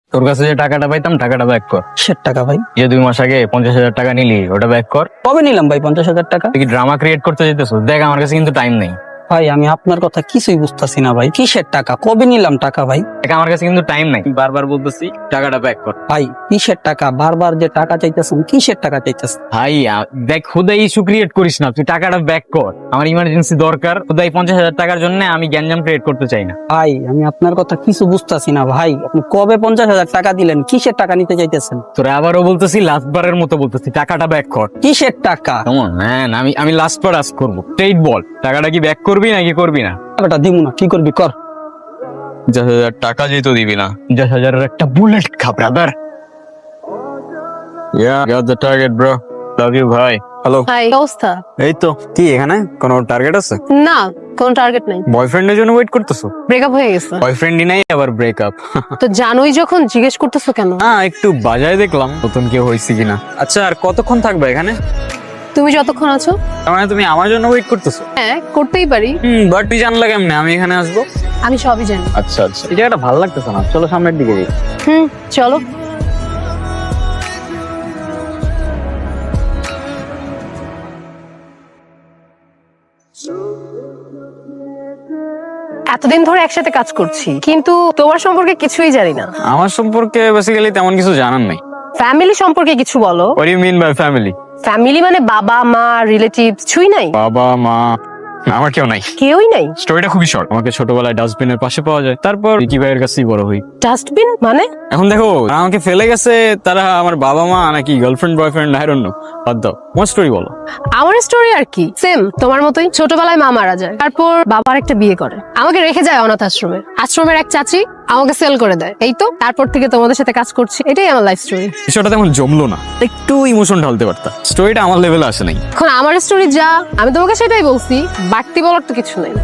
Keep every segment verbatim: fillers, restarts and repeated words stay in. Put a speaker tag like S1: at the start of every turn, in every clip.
S1: তোর কাছে যে টাকাটা পাইতাম টাকাটা ব্যাক কর।
S2: কিসের টাকা ভাই?
S1: যে দুই মাস আগে পঞ্চাশ হাজার টাকা নিলি ওটা ব্যাক কর।
S2: কবে নিলাম ভাই পঞ্চাশ হাজার টাকা?
S1: তুই কি ড্রামা ক্রিয়েট করতে যেতেছ? দেখ আমার কাছে কিন্তু টাইম নেই।
S2: ভাই আমি আপনার কথা কিছুই বুঝতেছি না ভাই, কিসের টাকা? কবে নিলাম টাকা ভাই?
S1: দেখ আমার কাছে কিন্তু টাইম নাই, বারবার বলতেছি টাকাটা ব্যাক কর।
S2: ভাই কিসের টাকা? বারবার যে টাকা চাইতেছেন, কিসের টাকা চাইতেছেন?
S1: ভাই আ- দেখ খুদাই ইস্যু ক্রিয়েট করিস না, তুই টাকাটা ব্যাক কর। আমার ইমার্জেন্সি দরকার, খুদাই পঞ্চাশ হাজার টাকার জন্য আমি গ্যাঞ্জাম ক্রিয়েট করতে চাই না।
S2: ভাই আমি আপনার কথা কিছু বুঝতেছি না ভাই, আপনি কবে পঞ্চাশ হাজার টাকা দিলেন? কিসের টাকা নিতে চাইতেছেন?
S1: তোরা আবারও বলতেছি, লাস্ট বারের মতো বলতেছি টাকাটা ব্যাক কর।
S2: কিসের টাকা?
S1: কেমন ম্যান, আমি আমি লাস্ট বার আস্ক করবো, স্ট্রেট বল টাকাটা কি ব্যাক করবি নাকি করবি না?
S2: টাকাটা দিব না, কি করবি কর।
S1: পঞ্চাশ হাজার টাকা যেহেতু দিবি না, পঞ্চাশ হাজারের একটা বুলেট খা brother. Yeah, got the target bro. Love you ভাই। হ্যালো।
S3: হাই, অবস্থা?
S1: এই তো, কি এখানে কোনো টার্গেট আছে?
S3: না, কোনো টার্গেট নাই।
S1: বয়ফ্রেন্ডের জন্য ওয়েট করতেছো?
S3: ব্রেকআপ হয়ে গেছে।
S1: বয়ফ্রেন্ডই নাই আবার ব্রেকআপ?
S3: তো জানোই যখন জিজ্ঞেস করতেছো কেন?
S1: হ্যাঁ একটু বাজায় দেখলাম নতুন কেউ হয়েছে কিনা। আচ্ছা আর কতক্ষণ থাকবে এখানে?
S3: তুমি যতক্ষণ আছো।
S1: তার মানে তুমি আমার জন্য ওয়েট করতেছো?
S3: হ্যাঁ, করতেই পারি।
S1: হুম, বাট তুই জানলা কেমনে আমি এখানে আসবো?
S3: আমি সবই জানি।
S1: আচ্ছা আচ্ছা, এই জায়গাটা ভালো লাগতেছে না, চলো সামনের দিকে যাই।
S3: হুম, চলো। এতদিন ধরে একসাথে কাজ করছি, কিন্তু তোমার সম্পর্কে কিছুই জানি না।
S1: আমার সম্পর্কে বেসিক্যালি তেমন কিছু জানার নাই।
S3: ফ্যামিলি সম্পর্কে কিছু বলো।
S1: What do you mean by family?
S3: Family মানে বাবা মা রিলেটিভ কিছুই নাই?
S1: বাবা মা আমার কেউ নাই।
S3: কেউই নাই?
S1: স্টোরিটা খুবই শর্ট। আমাকে ছোটবেলায় ডাস্টবিনের পাশে পাওয়া যায়, তারপর রিকি ভাইয়ের কাছেই বড় হই।
S3: ডাস্টবিন মানে?
S1: এখন দেখো যারা আমাকে ফেলে গেছে তারা আমার বাবা মা নাকি girlfriend boyfriend, I don't know. বাদ দাও, তোমার স্টোরি বলো।
S3: আমার স্টোরি আর কি, সেম তোমার মতোই। ছোটবেলায় মা মারা যায়, তারপর বাবার একটা বিয়ে করে, আমাকে রেখে যায় অনাথ আশ্রমে। আশ্রমের এক চাচি আমাকে সেল করে দেয়, এই তো তারপর থেকে তোমাদের সাথে কাজ করছি। এটাই আমার লাইফ স্টোরি।
S1: বিষয়টা তেমন জমলো না, একটু ইমোশন ঢালতে পারতা। স্টোরিটা আমার লেভেলে আসে নাই।
S3: এখন আমার স্টোরি যা, আমি তোমাকে সেটাই বলছি, বাড়তি বলার তো কিছু নেই।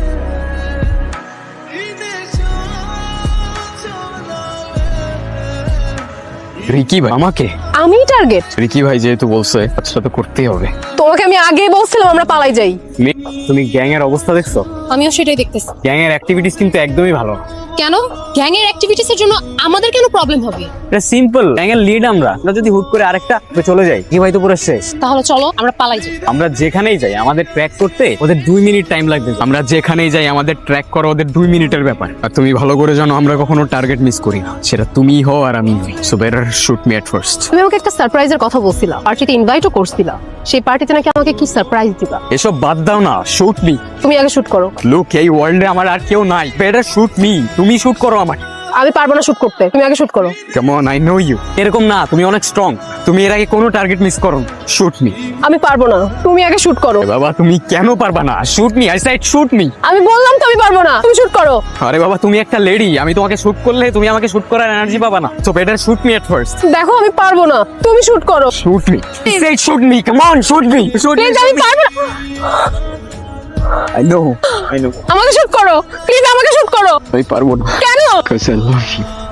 S1: রিকি ভাই আমাকে,
S3: আমি টার্গেট?
S1: রিকি ভাই যেহেতু বলছে আচ্ছা তো করতেই হবে।
S3: তোমাকে আমি আগেই বলছিলাম আমরা পালাই যাই।
S1: মি- তুমি গ্যাং এর অবস্থা দেখছো?
S3: আমিও সেটাই দেখতেছি।
S1: গ্যাং এর অ্যাক্টিভিটিস কিন্তু একদমই ভালো না।
S3: কেন? গ্যাং এর অ্যাক্টিভিটিস এর জন্য আমাদের কেন প্রবলেম হবে?
S1: এটা সিম্পল, গ্যাং এর লিড আমরা। আমরা যদি হুট করে আরেকটা চলে যাই, কি ভাই তো পুরো শেষ।
S3: তাহলে চলো আমরা পালাই যাই।
S1: আমরা যেখানেই যাই আমাদের ট্র্যাক করতে ওদের দুই মিনিট টাইম লাগবে। আমরা যেখানেই যাই আমাদের ট্র্যাক করা ওদের দুই মিনিটের ব্যাপার। আর তুমি ভালো করে জানো আমরা কখনো টার্গেট মিস করি না, সেটা তুমিই হও আর আমি হই। So better shoot me at first.
S3: তুমি আমাকে একটা সারপ্রাইজের কথা বলছিলা, পার্টিতে ইনভাইটও করছিলা। সেই পার্টিতে নাকি আমাকে কি সারপ্রাইজ দিবা?
S1: এসব বাদ দাও না, শুট মি।
S3: তুমি আগে শুট করো।
S1: লুক, এই ওয়ার্ল্ডে আমার আর কেউ নাই। বেটার শুট মি, তুমি শুট করো আমাকে।
S3: আমি পারবো না শুট করতে, তুমি আগে শুট করো।
S1: Come on, I know you. এরকম না, তুমি অনেক স্ট্রং। তুমি এর আগে কোনো টার্গেট মিস করো। Shoot me.
S3: আমি পারবো না, তুমি আগে শুট করো।
S1: বাবা তুমি কেন পারবা না? Shoot me, I said shoot me.
S3: আমি বললাম তো আমি পারবো না, তুমি শুট করো।
S1: আরে বাবা তুমি একটা লেডি, আমি তোমাকে শুট করলে তুমি আমাকে শুট করার এনার্জি পাবা না। So better shoot me at first.
S3: দেখো আমি পারবো না, তুমি শুট করো।
S1: Shoot me, say shoot me, come on shoot me. Shoot me,
S3: please, আমি পারবো না।
S1: I know I know.
S3: আমাকে শুট করো, প্লিজ আমাকে শুট করো।
S1: আমি পারবো না।
S3: কেন?
S1: Because I love you.